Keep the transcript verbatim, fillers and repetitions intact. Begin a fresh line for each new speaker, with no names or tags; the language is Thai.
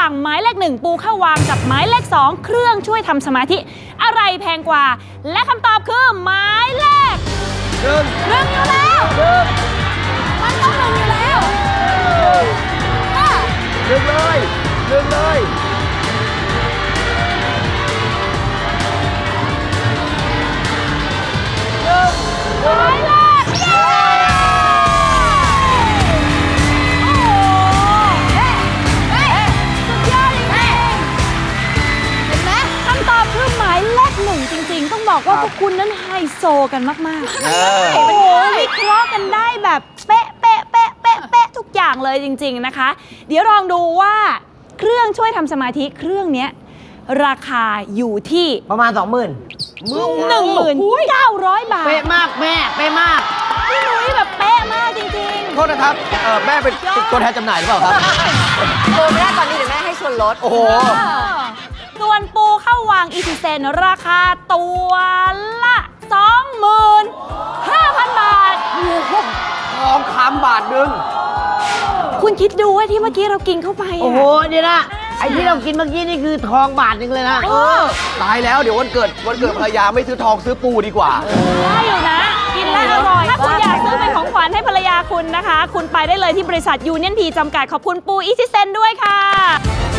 างหมายเลขหนึ่งปูข้าววางกับหมายเลขสองเครื่องช่วยทำสมาธิอะไรแพงกว่าและคำตอบคือหมายเลขหนึ่งหนึ่งอยู่แล้วมันต้องหนึ่งอยู่แล้ว
หนึ่งเลยหนึ่งเลย
หมายเลขเย้โอ้โหเฮ้เฮ้สุดยอดจริงๆเห็นไหมคำตอบคือหมายเลขหนึ่งจริงๆต้องบอกว่าพวกคุณนั้นไฮโซกันมากๆโอ้โหวิเคราะห์กันได้แบบเป๊ะเป๊ะเป๊ะเป๊ะเป๊ะทุกอย่างเลยจริงๆนะคะเดี๋ยวลองดูว่าเครื่องช่วยทำสมาธิเครื่องนี้ราคาอยู่ที่
ประมาณ สองหมื่น
หนึ่งหมื่นเก้าร้อยบาท
เป๊ะมากแม่เป๊ะมาก
พี่นุ้ยแบบเป๊ะมากจริงๆ
โทษนะครับเออแม่เป็นตัวแทนจำหน่ายหรือเปล่าครับ
โทรไม่ได้ตอนนี้เดี๋ยวแม่ให้ส่วนลด
โอ้โห
ส่วนปูเข้าวางอีทีเซนราคาตัวละ สองหมื่นห้าพัน บาท
ทองคำบาทหนึ่ง
คุณคิดดูว่าที่เมื่อกี้เรากินเข้าไป
โอ้โหเดี๋ยวนะไอ้ที่เรากินเมื่อกี้นี่คือทองบาทหนึงเลยนะ
เออ
ตายแล้วเดี๋ยววันเกิดวันเกิดภรรยาไม่ซื้อทองซื้อปูดีกว่า
ได้อยู่นะกินแล้วอร่อยถ้าคุณอยากซื้อเป็นของขวัญให้ภรรยาคุณนะคะคุณไปได้เลยที่บริษัทยูเนียนพีจำกัดขอบคุณปูอีทีเซนด้วยค่ะ